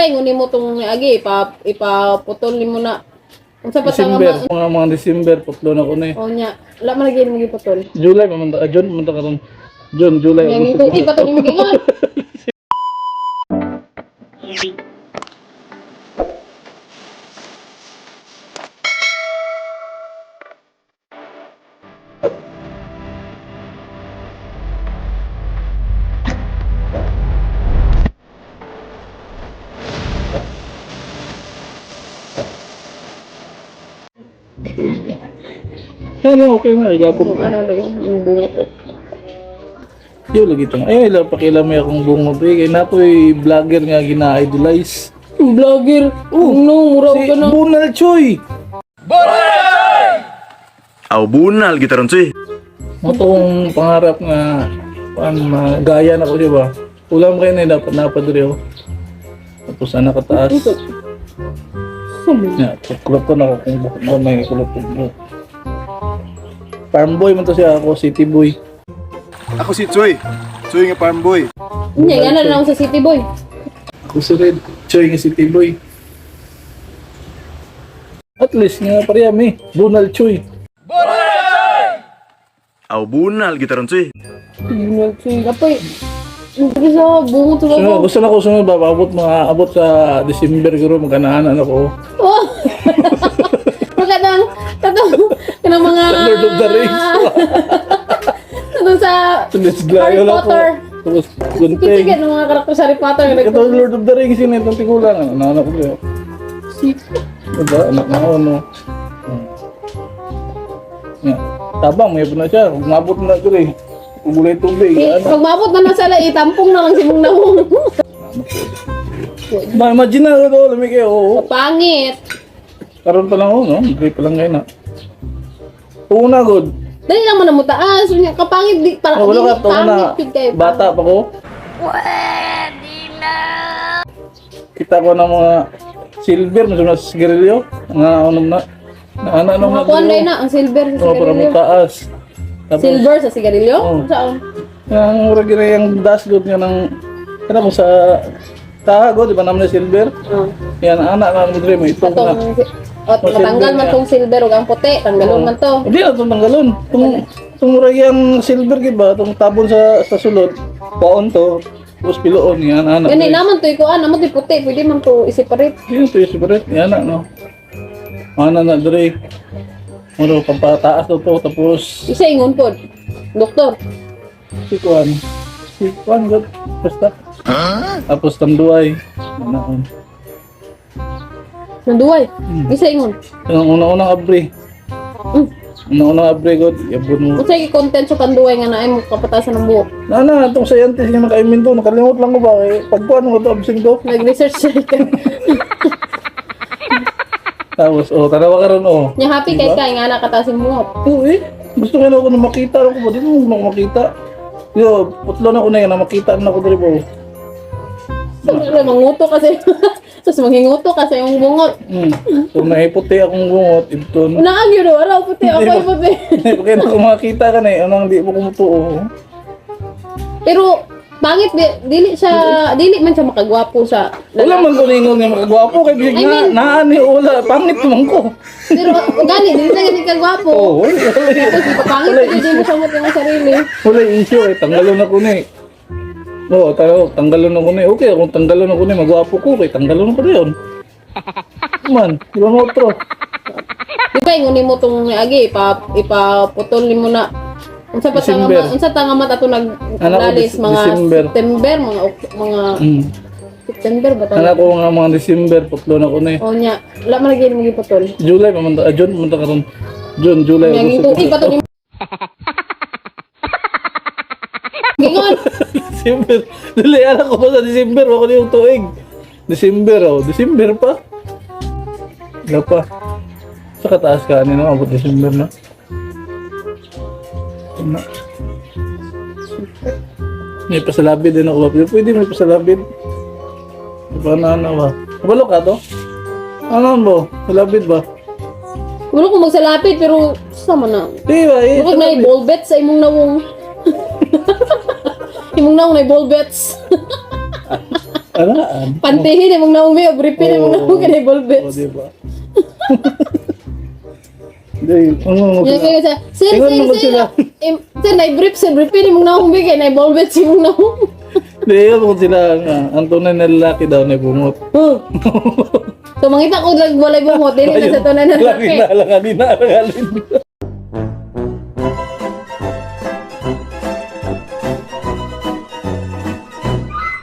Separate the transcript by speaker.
Speaker 1: Di ba ingunin mo tong agi, ipaputol mo na. Kung sa
Speaker 2: December, mga December, putlo na ko na eh.
Speaker 1: O nya, wala man lagi mo giputol.
Speaker 2: July, June, mamanta ka ron. June, July,
Speaker 1: Yang
Speaker 2: August.
Speaker 1: ito, ipatol mo gingon.
Speaker 2: Ano, okay na, igapon.
Speaker 1: Ano lagi, yung bungot.
Speaker 2: Yo, lagi ito. Ay, pakilamay akong bungot eh. Kaya na ako'y vlogger nga gina-idolize.
Speaker 1: Vlogger. No, mura
Speaker 2: Si
Speaker 1: ka na.
Speaker 2: Bunal Choy!
Speaker 3: Aw bunal gitaron cuy.
Speaker 2: Mo tong pangarap nga gaya na ko siya ba? Ulam kayo na dapat napadre ako. Tapos anak kataas. Ya, kulot ko na ako kung bakit mo may kulot ko. Farm boy man to siya, ako city boy.
Speaker 3: Ako si Choy. Choy nga farm boy.
Speaker 1: Nya, yan na lang ako sa City Boy.
Speaker 2: Ako si Red Choy nga city boy. At least nga parehami, Bunal Choy.
Speaker 3: Aw bunal gitaron cuy.
Speaker 1: Bunal Choy. Apoy, hindi sa bungot sa
Speaker 2: So,
Speaker 1: ako.
Speaker 2: gusto na ko sunod ba, abot sa December guro magkanaanan ako.
Speaker 1: Oh! Magandang, kanang mga...
Speaker 2: Lord of the Rings.
Speaker 1: Ano sa
Speaker 2: Tulis
Speaker 1: Harry
Speaker 2: glayo lang ko.
Speaker 1: Potter.
Speaker 2: Tapos
Speaker 1: Sige,
Speaker 2: gunting.
Speaker 1: ng mga karakter sa Harry Potter.
Speaker 2: Ito Lord of the Rings yun, itong tigulang. Anak ko siya. Diba? Anak na ako, no? Yeah. Tabang, may na siya. Kung mabot na ito eh. Kung gulay tubig.
Speaker 1: Pag mabot na nasala, itampong na lang si mong nawong.
Speaker 2: Imagine na ito, lamig kayo. Oo.
Speaker 1: Pangit.
Speaker 2: Karoon pa lang ako, no? Gray pa lang kayo na. Una, good.
Speaker 1: Dali lang mo na mo taas. Kapangit, di, para
Speaker 2: Oh, wala ka, ito na.
Speaker 1: pangit, big kayo.
Speaker 2: Bata pa ko. Kita ko ng mga silver, mas mga sigarilyo. Nga, anong na. Ano
Speaker 1: Mga kuwan na ang silver sa
Speaker 2: Oh, para
Speaker 1: sigarilyo.
Speaker 2: mataas. Tapos,
Speaker 1: Silver sa sigarilyo?
Speaker 2: Oh.
Speaker 1: Saan?
Speaker 2: yung mura gina yung dashboard nga ng, ano mo sa tahago, di ba naman na silver?
Speaker 1: Oh.
Speaker 2: Yan, anak na mo dre mo, ito na.
Speaker 1: Matanggal man tong silver o ang puti. Tanggalon man to.
Speaker 2: Hindi na itong tanggalon. Itong mura yung silver, ba? Itong tabon sa sulod, paon to, tapos piloon, yan, anak.
Speaker 1: Gani naman to ikuan, naman to puti. Pwede man to i-separate.
Speaker 2: Yan, ito yung separate, yan na, no? Anak na dre. Muro, pampataas to, tapos,
Speaker 1: Isa ingon pod. Doktor.
Speaker 2: si Kwan, God, basta. Tapos tanduay. Ano,
Speaker 1: Nanduway. Isa ingon.
Speaker 2: yung unang abre. Unang abre, God, yabon mo.
Speaker 1: Kung sa'yo content sa kanduway nga na ay mo kapatasan ng buhok.
Speaker 2: Na, itong scientist nga nakaimin to, nakalimot lang ko ba, eh, pagkuhan mo ito, absing to.
Speaker 1: Nag-research siya ka.
Speaker 2: Tapos, tarawa ka ron,
Speaker 1: Nya happy kay kay nga nakatasin buhok.
Speaker 2: Oo, gusto nga na ako na makita, ako ba, di mo na makita. Yo, putlo na ko na yan, na makita na ako dali po.
Speaker 1: Sabi manguto kasi. Tapos manginguto kasi yung bungot.
Speaker 2: So, naiputi akong bungot, ito.
Speaker 1: Naagyo do, araw puti ako ay puti.
Speaker 2: Kaya na kung makita ka na eh, anong di mo kumutuo.
Speaker 1: Pero bangit dili man siya makagwapo sa
Speaker 2: Wala man ko ningon nga makagwapo, kay bigyan
Speaker 1: I mean-
Speaker 2: na, naani, wala, pangit naman ko.
Speaker 1: Pero gani dili na gani kagwapo.
Speaker 2: Oo,
Speaker 1: Tapos ipapangit hindi mo sa mo sarili.
Speaker 2: wala issue eh, tanggalon ako na eh. Oo, tanggalon ako na eh. Okay, kung tanggalon ako na eh, magwapo ko, kay tanggalon ako na yun. Man, di ba mo otro?
Speaker 1: Di ba ingunin mo tong agi, ipaputol mo na. Unsa pa
Speaker 2: December.
Speaker 1: unsa tanga mat ato naglalis mga
Speaker 2: December.
Speaker 1: September, mga September ba ta?
Speaker 2: Anak ko nga mga December, putlo na ko na eh.
Speaker 1: O nya, wala man lagi mo giputol.
Speaker 2: July, June, mamanta ka ron. June, July,
Speaker 1: Yang ito,
Speaker 2: August.
Speaker 1: ipatol mo. Gingon.
Speaker 2: December. Dali, anak ko pa sa December, ako na yung tuig. December, December pa. Wala pa. Sa kataas ka, ano abot December na. Ano? May pasalabid din ako. Pwede may pasalabid. Ano ba? Kabalo ka to? Ano ba? Salabid ba?
Speaker 1: Wala ko magsalapit pero sama na.
Speaker 2: Di ba eh?
Speaker 1: Huwag na i-ball bets sa imong nawong. Imong nawong na i-ball bets.
Speaker 2: Alaan.
Speaker 1: Pantihin mong naumi, o briefin mong naumi ka na
Speaker 2: O,
Speaker 1: Volbex.
Speaker 2: diba? Hindi,
Speaker 1: Yan kayo sa, sir,
Speaker 2: Tingnan
Speaker 1: sir,
Speaker 2: mo
Speaker 1: sir,
Speaker 2: sila.
Speaker 1: sir, na-brief, sir, briefin mong naumi ka na Volbex mong naumi.
Speaker 2: Hindi, yun kung sila, ang tunay na lalaki daw na bumot.
Speaker 1: So, mangita ko lang walay bumot, dili na sa tunay na
Speaker 2: Lagi
Speaker 1: lalaki.
Speaker 2: na, alanganin na, alanganin.